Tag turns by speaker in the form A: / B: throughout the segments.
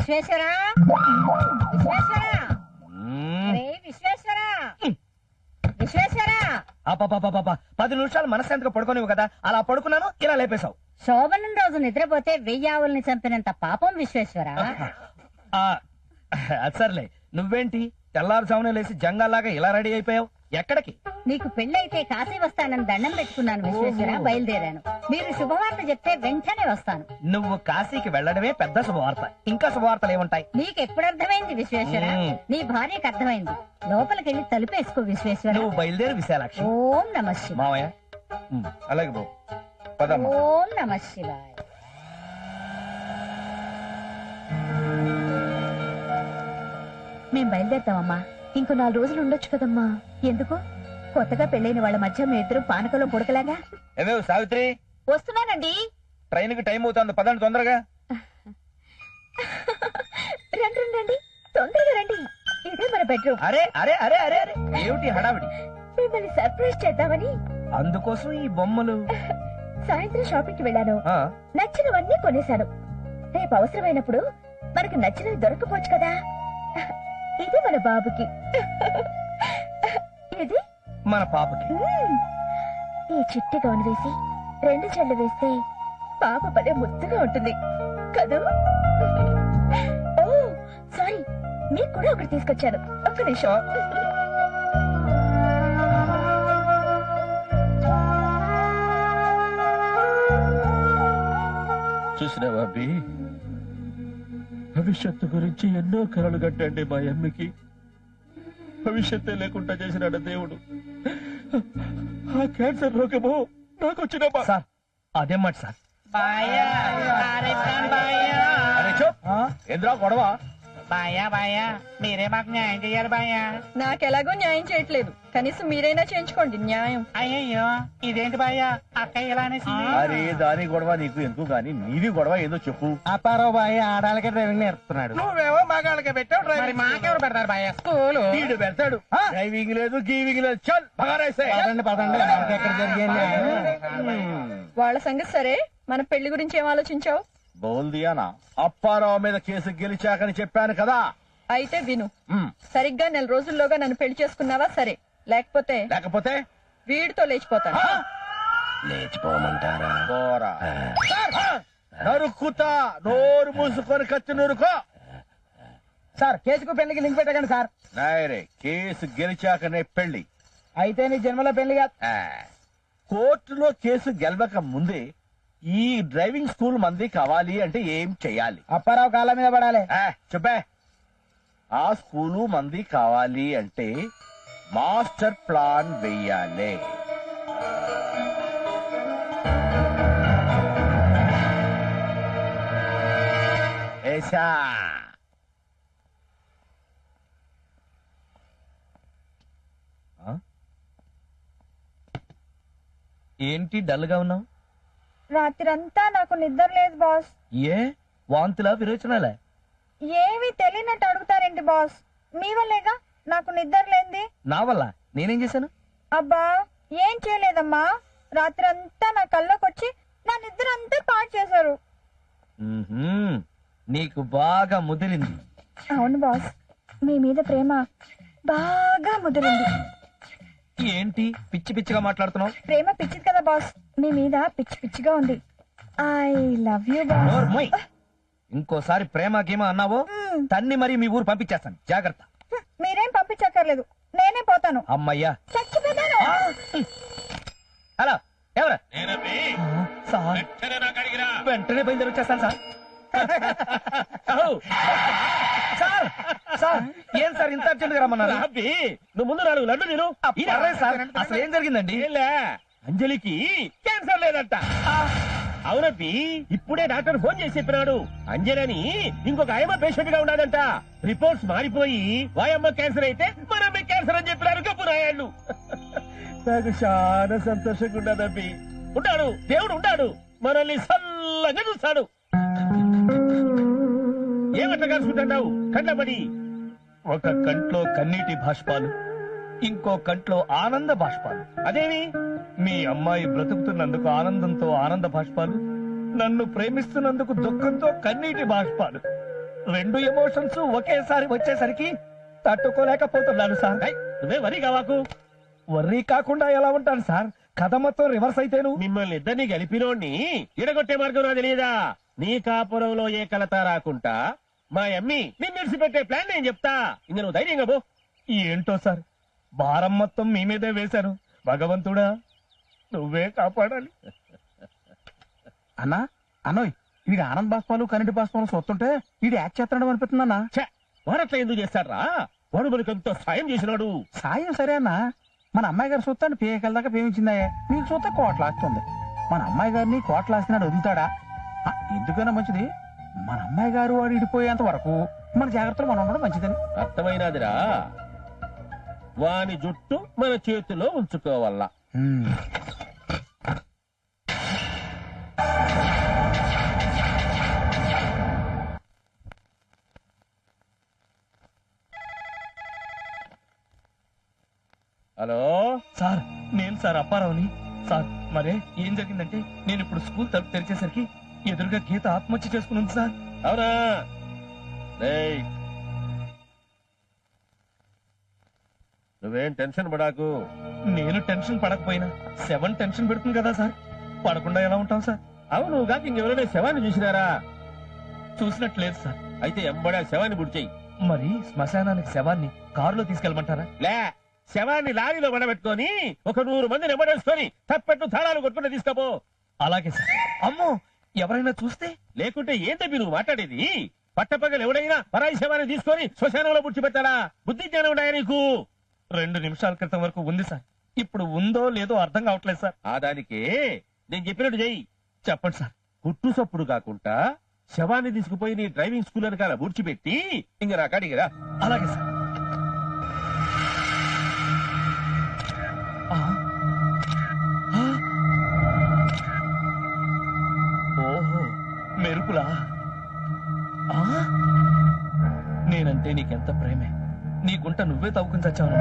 A: విశ్వేశ్వరా, విశ్వేశ్వరా, విశ్వేశ్వరా, విశ్వేశ్వరా.
B: 10 నిమిషాలు మనశ్శాంతిగా పడుకోనివ్వు కదా, అలా పడుకున్నాను, ఇలా లేపేశావు.
A: శోభనం రోజు నిద్రపోతే 1000 ఆవుల్ని చంపినంత పాపం విశ్వేశ్వరా.
B: అది సర్లే, నువ్వేంటి తెల్లారుజామునే లేసి జంగాల్లాగా ఇలా రెడీ అయిపోయావు? ఎక్కడికి?
A: నీకు పెళ్ళైతే కాశీ వస్తానని దండం పెట్టుకున్నాను విశ్వేశ్వర, బయలుదేరాను. మీరు శుభవార్త చెప్తే వెంటనే వస్తాను.
B: నువ్వు కాశీకి వెళ్ళడమే పెద్ద శుభవార్త, ఇంకా శుభవార్తలు ఏముంటాయి?
A: నీకెప్పుడు అర్థమైంది విశ్వేశ్వర? నీ భార్యకు అర్థమైంది. లోపలికెళ్ళి తలుపేసుకో విశ్వేశ్వర.
B: నువ్వు బయలుదేరి విశాలాక్షి.
A: ఓం నమ శివాయ.
B: మావయ్య అలాగే బాబు, పదమ్మా.
A: ఓం నమ శివాయ.
C: మేం బయలుదేరుతామమ్మా. ఇంకో 4 రోజులు ఉండొచ్చు కదమ్మా. ఎందుకు? కొత్తగా పెళ్ళైన వాళ్ళ మధ్య మీ ఇద్దరు పానకలో పుడకలాగా.
B: ఏమేవ్ సావిత్రి?
C: వస్తున్నానండి.
B: ట్రైన్ కి టైం అవుతుంది, పదండి తొందరగా.
C: రండి రండి, తొందరగా రండి. ఇదే మన బెడ్రూమ్.
B: అరే అరే అరే అరే అరే, ఏమిటి హడావిడి?
C: మిమ్మల్ని సర్ప్రైజ్ చేద్దామని.
B: అందుకోసం ఈ బొమ్మలు.
C: సాయంత్రం షాపింగ్ కి వెళ్ళాను, నచ్చినవన్నీ కొనేశాను. రేపు అవసరమైనప్పుడు మనకు నచ్చినవి దొరకపోవచ్చు కదా. ఇది మన బాబుకి, ఇది
B: మన పాపకి.
C: ఈ చిట్టి గౌన్ వేసి 2 చెళ్ళు వేస్తే పాప పదే ముద్దుగా ఉంటుంది కదూ. ఓ సారీ, మీకు కూడా ఒకటి తీసుకొచ్చాను. ఒక్క నిమిషం.
D: చూసినావా అబ్బి, భవిష్యత్తు గురించి ఎన్నో కలలు కట్టండి మా అమ్మకి. భవిష్యత్తే లేకుండా చేసినాడు దేవుడు. ఆ క్యాన్సర్ రోగము నాకు వచ్చిన.
B: సార్ అదేం మాట సార్? ఎదురా గొడవ?
E: బాయా బాయా, మీరే మాకు న్యాయం చెయ్యాలి బాయా.
F: నాకెలాగో న్యాయం చేయట్లేదు, కనీసం మీరైనా చేయించుకోండి న్యాయం.
E: అయ్యయ్యో, ఇదేంటి బాయా అక్క ఇలా అనేసి?
D: అరే దాని గొడవ నీకు ఎందుకు గాని, నీది గొడవ ఏదో చెప్పు.
E: అప్పారావు బాయ్ ఆడాలకే డ్రైవింగ్ నేర్పుతున్నాడు.
B: నువ్వేమో మగాళ్ళకి పెట్టావు
E: మరి మాకెవరు పెడతారు బాయా స్కూల్?
D: వీడు పెడతాడు. డ్రైవింగ్ లేదు, గీవింగ్ లేదు. చల్ బగారైసే.
E: పదండి పదండి, మనకి ఎక్కడ జరిగింది.
F: వాళ్ళ సంగతి సరే, మన పెళ్లి గురించి ఏం ఆలోచించావు?
D: బోల్దియానా, అప్పారావు మీద కేసు గెలిచాకని చెప్పాను కదా.
F: అయితే విను, సరిగ్గా 4 రోజుల్లోగా నన్ను పెళ్లి చేసుకున్నావా సరే, లేకపోతే వీడితో లేచిపోతాను.
D: లేచిపోమంటారా? నరుక్కుతా, నోరు మూసుకొని కత్తి నూరుకో.
E: సార్ కేసుకు పెళ్లికి లింక్ పెట్టకండి సార్.
D: నాయరే, కేసు గెలిచాకనే పెళ్లి.
E: అయితే నీ జన్మలో పెళ్లి కాదు.
D: కోర్టులో కేసు గెలవక ముందే ఈ డ్రైవింగ్ స్కూల్ మంది కావాలి అంటే ఏం చెయ్యాలి?
E: అప్పారావు కాళ్ళ మీద పడాలి.
D: చెప్పే. ఆ స్కూలు మంది కావాలి అంటే మాస్టర్ ప్లాన్ వెయ్యాలి. ఏసా
B: ఏంటి డల్ గా ఉన్నావు?
F: రాత్రంతా నాకు నిద్ర లేదు బాస్.
B: ఏ వాంతులా విరోచనాలే?
F: ఏమీ తెలియనట్టు అడుగుతారేంటి బాస్? మీ వల్లేగా నాకు నిద్ర లేంది.
B: నా వల్ల? నేనేం చేశాను?
F: అబ్బా ఏం చేయలేదమ్మా, రాత్రంతా నా కళ్ళకొచ్చి నా నిద్ర అంతా పాడు చేశారు.
B: నీకు బాగా ముదిరింది.
C: అవును బాస్, మీ మీద ప్రేమ బాగా ముదిరింది.
B: ఏంటి పిచ్చి పిచ్చిగా మాట్లాడుతున్నావు?
C: ప్రేమ పిచ్చిది కదా బాస్, మీ మీద పిచ్చి పిచ్చిగా ఉంది. I love you boss.
B: ఇంకోసారి ప్రేమ గేమ అన్నావో తన్ని మరి మీ ఊరు పంపించేస్తాను, జాగ్రత్త.
F: మీరేం పంపించక్కర్లేదు, నేనే పోతాను.
B: అమ్మయ్యా,
F: చచ్చిపోతాను.
B: హలో ఎవరు? సార్ వెంటనే బయలుదేరి వచ్చేస్తాను సార్. సార్ సార్ ఏం సార్ ఇంత అర్జెంట్ గా రమ్మన్నారు?
D: నువ్వు ముందు 4 లడ్డు నేను.
B: సార్ అసలు ఏం జరిగిందండి?
D: అంజలికి క్యాన్సర్ లేదంట. అవునబ్బి, ఇప్పుడే డాక్టర్ ఫోన్ చేసి చెప్పినాడు. అంజలని ఇంకొక ఆయమ్మ పేషెంట్ గా ఉన్నాడంట. రిపోర్ట్స్ మారిపోయి వాయమ్మ క్యాన్సర్ అయితే మనమ్మ క్యాన్సర్ అని చెప్పినారు కప్పురాయాళ్ళు. నాకు చాలా సంతోషంగా ఉన్నదబ్బి. ఉంటాడు, దేవుడు ఉంటాడు, మనల్ని సల్లంగా చూస్తాడు. ఏమట్లా కలుసుకుంటావు కంటపడి?
B: ఒక కంట్లో కన్నీటి బాష్పాలు, ఇంకో కంట్లో ఆనంద బాష్పాలు.
D: అదేమి?
B: మీ అమ్మాయి బ్రతుకుతున్నందుకు ఆనందంతో ఆనంద బాష్పాలు, నన్ను ప్రేమిస్తున్నందుకు దుఃఖంతో కన్నీటి బాష్పాలు. రెండు ఎమోషన్స్ ఒకేసారి వచ్చేసరికి తట్టుకోలేకపోతున్నాను సార్.
D: నువ్వే వరి కావాకు.
B: వర్రీ కాకుండా ఎలా ఉంటాను సార్? కథ మొత్తం రివర్స్ అయితేను.
D: మిమ్మల్ని ఇద్దరిని గెలిపినోడిని ఇడగొట్టే మార్గం నా తెలియదా? నీ కాపురంలో ఏ కలత రాకుండా మా అమ్మి నిన్ను విడిచిపెట్టే ప్లాన్ నేను చెప్తా. ఇంక నువ్వు ధైర్యంగా పో.
B: ఏంటో సార్, భారం మొత్తం మీ మీదే వేశాను. భగవంతుడా నువ్వే కాపాడాలి.
E: అన్నా అన్నోయ్ వీడి ఆనంద్ బాష్పాలు కరెంటు బాష్పాలు చూస్తుంటే వీడు యాక్ట్ చేస్తున్నాడు అనిపిస్తుందన్నా.
D: వాడట్లా ఎందుకు చేస్తాడ్రా? వాడు మనకు ఎంతో సాయం చేసినాడు.
E: సాయం సరే అన్నా, మన అమ్మాయి గారు చూస్తాను పేకల దాకా పేమించిందా, నీకు చూస్తే కోట్లాస్తుంది. మన అమ్మాయి గారిని కోట్లాస్తున్నాడు వదులుతాడా? ఎందుకైనా మంచిది మన అమ్మాయి గారు వాడు ఇడిపోయేంత వరకు మన జాగ్రత్తలు మనం ఉండడం మంచిదని.
D: అర్థమైనదిరా? వాని జుట్టు మన చేతిలో ఉంచుకోవాలా. హలో
B: సార్, నేను సార్ అప్పారావుని. సార్ మరే ఏం జరిగిందంటే, నేను ఇప్పుడు స్కూల్ తలుపు తెరిచేసరికి ఎదురుగా గీత ఆత్మహత్య చేసుకున్నాను సార్.
D: అవునా? రేయ్, నువ్వేం టెన్షన్ పడాకు.
B: నేను టెన్షన్ పడకపోయినా 7 టెన్షన్ పెడుతుంది కదా సార్. పడకుండా ఎలా ఉంటాం సార్?
D: అవును కాక ఇంకెవరైనా శవాన్ని చూసినారా?
B: చూసినట్లేదు సార్.
D: అయితే ఎంబడా శవాన్ని బుడిచేయి.
B: మరి శ్మశానానికి శవాన్ని కారులో తీసుకెళ్ళమంటారా?
D: లే, శవాన్ని లారీలో పడబెట్టుకొని ఒక 100 మందిని ఎమ్మడేసుకొని తప్పెట్టు తాళాలు కొట్టుకుంటే తీసుకపో.
B: అలాగే సార్. అమ్మో, ఎవరైనా చూస్తే?
D: లేకుంటే ఏం తప్పి నువ్వు మాట్లాడేది? పట్టపగలు ఎవడైనా పరాయి శవాన్ని తీసుకొని శ్మశానంలో పుడిచిపెట్టాలా? బుద్ధి జ్ఞానం ఉన్నాయా నీకు?
B: 2 నిమిషాల క్రితం వరకు ఉంది సార్. ఇప్పుడు ఉందో లేదో అర్థం కావట్లేదు సార్.
D: ఆ దానికే నేను చెప్పినట్టు చెయ్యి.
B: చెప్పండి సార్.
D: కుట్టు సప్పుడు కాకుండా శవాన్ని తీసుకుపోయి నీ డ్రైవింగ్ స్కూల్ వెనకాల బూడ్చిపెట్టి ఇంక నా కాడికి రా.
B: అలాగే సార్. ఆ. ఆ. ఓహో, మెరుపులా? ఆ? నేనంటే నీకెంత ప్రేమే. నీ గుంట నువ్వే తవ్వుకుని చచ్చావు.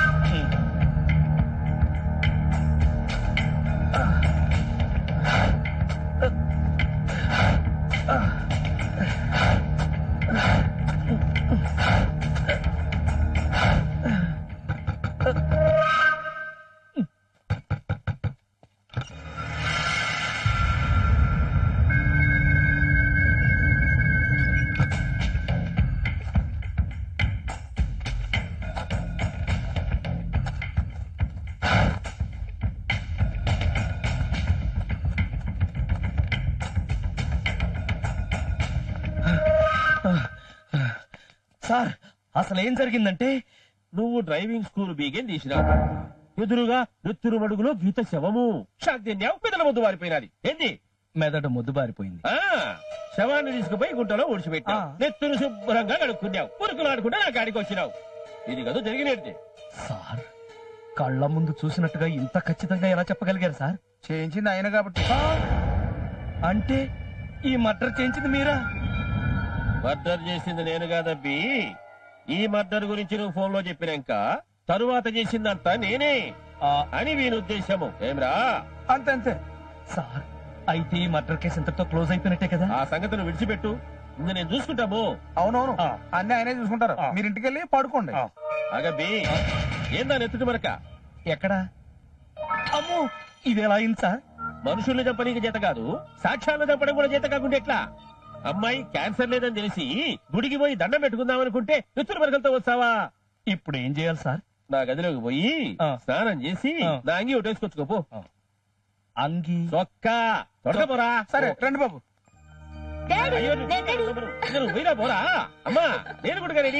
B: సార్, అసలు ఏం జరిగిందంటే,
D: నువ్వు డ్రైవింగ్ స్కూల్ బీగేం తీసినావు. ఎదురుగా నెత్తురు మడుగులో గీత శవము. షాద్యావు పెదల ముద్దు వారిపోయినది. ఏంది?
B: మెదడు ముద్దుబారిపోయింది.
D: ఆ శవాన్ని తీసుకుపోయి గుంటలో ఊడ్చిపెట్టావు. నెత్తురు శుభ్రంగా కడుక్కున్నావు. పురుకులు ఆడుకుంటే నా కాడికి వచ్చినావు. ఇది కదా జరిగినట్టు.
B: సార్, కళ్ళ ముందు చూసినట్టుగా ఇంత ఖచ్చితంగా ఎలా చెప్పగలిగారు సార్?
E: చేయించింది ఆయన కాబట్టి.
B: అంటే ఈ మర్డర్ చేయించింది మీరా?
D: మర్డర్ చేసింది నేను కాదబ్బి. ఈ మర్డర్ గురించి నువ్వు ఫోన్ లో చెప్పినాక తరువాత చేసిందంతా నేనే అని వీని ఉద్దేశము. ఏమ్రా?
E: అంతే అంతే
B: సార్, అయితే ఈ మర్డర్ కేసు ఇంతటితో క్లోజ్ అయిపోయినట్టే కదా?
D: ఆ సంగతిని విడిచిపెట్టు. ఇంక నేను చూసుకుంటాము.
E: అవునవును,
B: ఆ.
E: అన్ని ఆయనే చూసుకుంటారు.
B: ఆ.
E: మీరు ఇంటికి వెళ్ళి పడుకోండి.
D: అగబ్బి, ఏందా నెత్తుటి మరక?
B: ఎక్కడా? అమ్మో, ఇది ఎలా అయింది సార్?
D: మనుషుల్ని చంపనీకి చేత కాదు, సాక్ష్యాలను చంపడం కూడా చేత కాకుండా ఎట్లా? అమ్మాయి క్యాన్సర్ లేదని తెలిసి గుడికి పోయి దండం పెట్టుకుందాం అనుకుంటే నెత్తురు మరకలతో వస్తావా?
B: ఇప్పుడు ఏం చేయాలి సార్?
D: నా గదిలోకి పోయి
B: ఆ.
D: స్నానం చేసి
B: ఆ.
D: నా అంగి ఒకటేసుకొచ్చుకోపో.
B: అంగి
D: చొక్కా తొడకపోరా.
E: సరే రండి బాబు.
D: అయ్యో, నువ్వు పోయినా పోరా. అమ్మా, నేను కూడా రెడీ.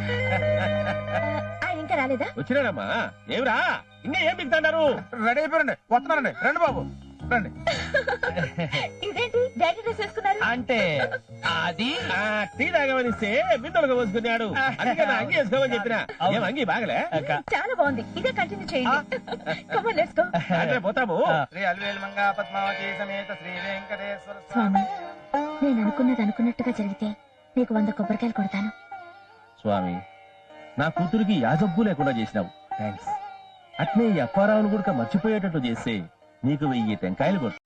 C: ఆయన ఇంకా రాలేదా?
D: వచ్చినాడమ్మా. ఏమిరా ఇంకా ఏం మిగతాడారు?
E: రెడీ అయిపోయారండి, వస్తున్నారండి. రండి బాబు రండి.
C: ఇదేంటి డాడీ డ్రెస్ వేసుకున్నారు?
B: అంటే అది
D: ఆ, టీ తాగమనిస్తే బిందెలుగా పోసుకున్నాడు. అందుకే నా అంగి వేసుకోమని చెప్పిన. ఏం అంగి బాగలే?
C: చాలా బాగుంది, ఇదే కంటిన్యూ చేయండి. Come on, let's go.
D: అంటే పోతాము.
E: శ్రీ అల్వేల్ మంగా పద్మావతి సమేత శ్రీ వెంకటేశ్వర
C: స్వామి, నేను అనుకున్నది అనుకున్నట్టుగా జరిగితే నీకు 100 కొబ్బరికాయలు కొడతాను.
D: స్వామి, నా కూతురికి యాజబ్బు లేకుండా చేసినావు. థ్యాంక్స్. అట్నే ఈ అప్పారావును కూడా మర్చిపోయేటట్టు చేస్తే నీకు 1000 టెంకాయలు కొట్టు.